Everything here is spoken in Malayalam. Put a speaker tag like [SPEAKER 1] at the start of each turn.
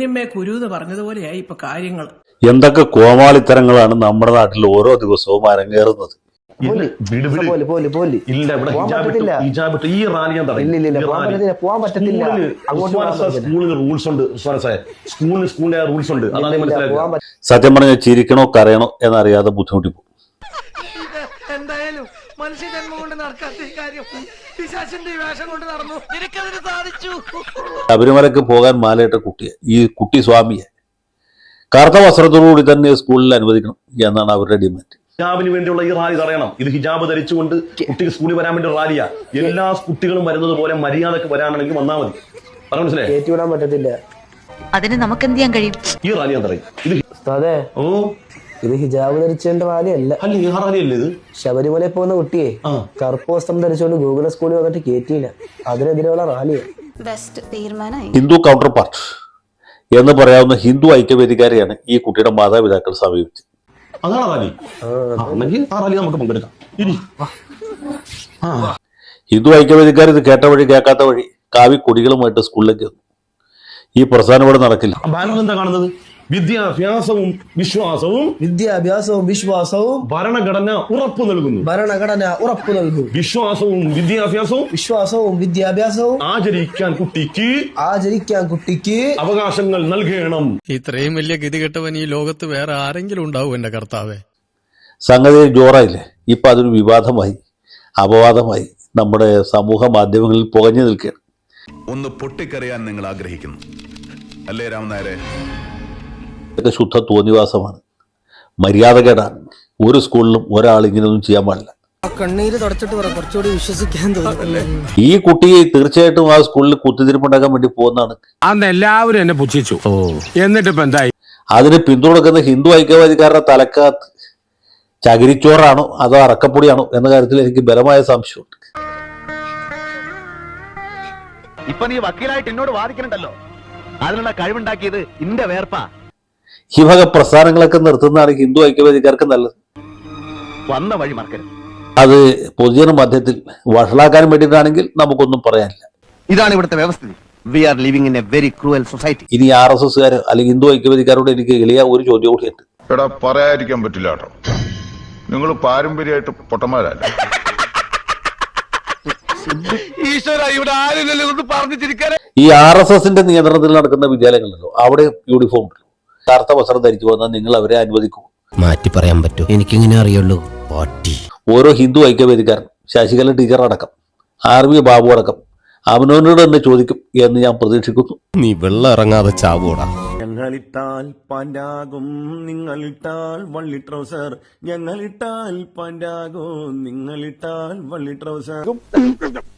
[SPEAKER 1] പൊന്നിമ്മേ കുരു എന്ന് പറഞ്ഞതുപോലെയായി ഇപ്പൊ കാര്യങ്ങൾ.
[SPEAKER 2] എന്തൊക്കെ കോമാളിത്തരങ്ങളാണ് നമ്മുടെ നാട്ടിൽ ഓരോ ദിവസവും അരങ്ങേറുന്നത്. സത്യം പറഞ്ഞാൽ ചിരിക്കണോ കരയണോ എന്നറിയാതെ ബുദ്ധിമുട്ടിപ്പോ.
[SPEAKER 3] എന്തായാലും മനുഷ്യജന്മം കൊണ്ട് നടക്കാത്ത ഈ കാര്യം പിശാചിന്റെ വേഷം കൊണ്ട് നടന്നു. നിനക്കതിന് സാധിച്ചു.
[SPEAKER 2] ശബരിമലക്ക് പോകാൻ മാലയിട്ട കുട്ടിയെ, ഈ കുട്ടി സ്വാമിയെ കറുത്ത വസ്ത്രത്തോടുകൂടി തന്നെ സ്കൂളിൽ അനുവദിക്കണം എന്നാണ് അവരുടെ ഡിമാൻഡ്.
[SPEAKER 4] ഹിജാബിന് വേണ്ടിയുള്ള ഈ റാലി തടയണം. ഇത് ഹിജാബ് ധരിച്ചുകൊണ്ട് കുട്ടികൾ സ്കൂളിൽ വരാൻ വേണ്ടി റാലിയാ. എല്ലാ കുട്ടികളും വരുന്നത് പോലെ മര്യാദക്ക് വരാനാണെങ്കിൽ വന്നാൽ മതി. പറഞ്ഞു മനസ്സിലായി?
[SPEAKER 5] കേറ്റിവിടാൻ പറ്റത്തില്ല.
[SPEAKER 6] അതിന് നമുക്ക് എന്ത് ചെയ്യാൻ കഴിയും?
[SPEAKER 4] ഈ റാലി ഞാൻ തടയും.
[SPEAKER 5] ഇത് ഹിജാബ് ധരിച്ചതിന്റെ റാലിയല്ല.
[SPEAKER 4] ഈ റാലിയല്ലേ ഇത്?
[SPEAKER 5] ശബരിമലയിൽ പോകുന്ന കുട്ടിയെ കറുപ്പ് വസ്ത്രം ധരിച്ചുകൊണ്ട് ഗൂഗിൾ സ്കൂളിൽ വന്നിട്ട് കേറ്റിയില്ല. അതിനെതിരെയുള്ള റാലിയാണ്.
[SPEAKER 2] ഹിന്ദു കൗണ്ടർ പാർട്ട് എന്ന് പറയാവുന്ന ഹിന്ദു ഐക്യവേദിക്കാരെയാണ് ഈ കുട്ടിയുടെ മാതാപിതാക്കൾ സമീപിച്ചത്.
[SPEAKER 4] അതാണ് റാലി. ആ റാലി നമുക്ക് പങ്കെടുക്കാം.
[SPEAKER 2] ഹിന്ദു ഐക്യവേദിക്കാർ ഇത് കേട്ട വഴി കേൾക്കാത്ത വഴി കാവി കൊടികളുമായിട്ട് സ്കൂളിലേക്ക് വന്നു. ഈ പ്രസ്ഥാനം ഇവിടെ നടക്കില്ല.
[SPEAKER 4] ബാനർ എന്താ കാണുന്നത്? വിദ്യാഭ്യാസവും വിശ്വാസവും ഭരണഘടന ഉറപ്പു നൽകുന്നു. വിശ്വാസവും വിദ്യാഭ്യാസവും ആചരിക്കാൻ കുട്ടിക്ക് അവകാശങ്ങൾ നൽകണം.
[SPEAKER 7] ഇത്രയും വലിയ ഗതികെട്ടവൻ ഈ ലോകത്ത് വേറെ ആരെങ്കിലും ഉണ്ടാവും എന്റെ കർത്താവേ?
[SPEAKER 2] സംഗതി ജോറായില്ലേ? ഇപ്പൊ അതൊരു വിവാദമായി, അപവാദമായി നമ്മുടെ സമൂഹ മാധ്യമങ്ങളിൽ പുകഞ്ഞു നിൽക്കുകയാണ്.
[SPEAKER 8] ഒന്ന് പൊട്ടിക്കറിയാൻ നിങ്ങൾ ആഗ്രഹിക്കുന്നു അല്ലേ രാമനായരെ?
[SPEAKER 2] ഇതൊക്കെ ശുദ്ധ തോന്നിവാസമാണ്, മര്യാദകേടാണ്. ഒരു സ്കൂളിലും ഒരാൾ ഇങ്ങനെയൊന്നും ചെയ്യാൻ പാടില്ല.
[SPEAKER 3] കണ്ണീര് തുടച്ചിട്ട് കുറച്ചുകൂടി വിശ്വസിക്കാൻ തോന്നുന്നു.
[SPEAKER 2] ഈ കുട്ടി തീർച്ചയായിട്ടും ആ സ്കൂളിൽ കുത്തിത്തിരിപ്പുണ്ടാക്കാൻ വേണ്ടി പോകുന്നതാണ്.
[SPEAKER 9] അന്ന് എല്ലാവരും എന്നെ പുച്ഛിച്ചു. എന്നിട്ട് ഇപ്പൊ എന്തായി?
[SPEAKER 2] അതിന് പിന്തുണക്കുന്ന ഹിന്ദു ഐക്യവാദിക്കാരുടെ തലക്കകത്ത് ചകിരിച്ചോറാണോ അതോ അറക്കപ്പൊടിയാണോ എന്ന കാര്യത്തിൽ എനിക്ക് ബലമായ സംശയമുണ്ട്.
[SPEAKER 10] ഇപ്പൊ നീ വക്കീലായിട്ട് എന്നോട് വാദിക്കണ്ടല്ലോ, അതിനുള്ള കഴിവുണ്ടാക്കിയത് ഇന്റെ വേർപ്പാ.
[SPEAKER 2] ഈ വക പ്രസ്ഥാനങ്ങളൊക്കെ നിർത്തുന്നതാണ് ഹിന്ദു ഐക്യവേദിക്കാർക്ക് നല്ലത്.
[SPEAKER 10] വന്ന വഴി മറക്കരുത്.
[SPEAKER 2] അത് പൊതുജന മധ്യത്തിൽ വഷളാക്കാൻ വേണ്ടിയിട്ടാണെങ്കിൽ നമുക്കൊന്നും പറയാനില്ല.
[SPEAKER 10] ഇതാണ് ഇവിടുത്തെ വ്യവസ്ഥിതി. We are living in a very cruel society.
[SPEAKER 2] ഇനി RSSകാർ അല്ലെങ്കിൽ ഹിന്ദു ഐക്യവേദിക്കാരോട് എനിക്ക് എളിയ ഒരു ചോദ്യം കൂടിയുണ്ട്.
[SPEAKER 8] എടാ, പറയാതിരിക്കാൻ പറ്റില്ല കേട്ടോ, നിങ്ങൾ പാരമ്പര്യമായിട്ട് പൊട്ടന്മാരല്ല.
[SPEAKER 2] ഈ RSSന്റെ നിയന്ത്രണത്തിൽ നടക്കുന്ന വിദ്യാലയങ്ങളിലോ അവിടെ യൂണിഫോം ഉണ്ടല്ലോ, കറുത്ത വസ്ത്രം ധരിച്ചു വന്നാൽ നിങ്ങൾ അവരെ അനുവദിക്കൂ?
[SPEAKER 11] മാറ്റി പറയാൻ പറ്റൂ? എനിക്കിങ്ങനെ അറിയുള്ളൂ.
[SPEAKER 2] ഓരോ ഹിന്ദു ഐക്യവേദിക്കാരൻ, ശശികല ടീച്ചർ അടക്കം, RV ബാബു അടക്കം അവനോനോട് തന്നെ ചോദിക്കും എന്ന് ഞാൻ പ്രതീക്ഷിക്കുന്നു.
[SPEAKER 11] നീ വെള്ളം ഇറങ്ങാതെ ചാവൂടാ.
[SPEAKER 9] ഞങ്ങളിട്ടാൽ പാൻഡാകും, നിങ്ങളിട്ടാൽ വള്ളി ട്രൗസർ. ഞങ്ങളിട്ടാൽ പാൻഡാകും, നിങ്ങളിട്ടാൽ വള്ളി ട്രൗസർ.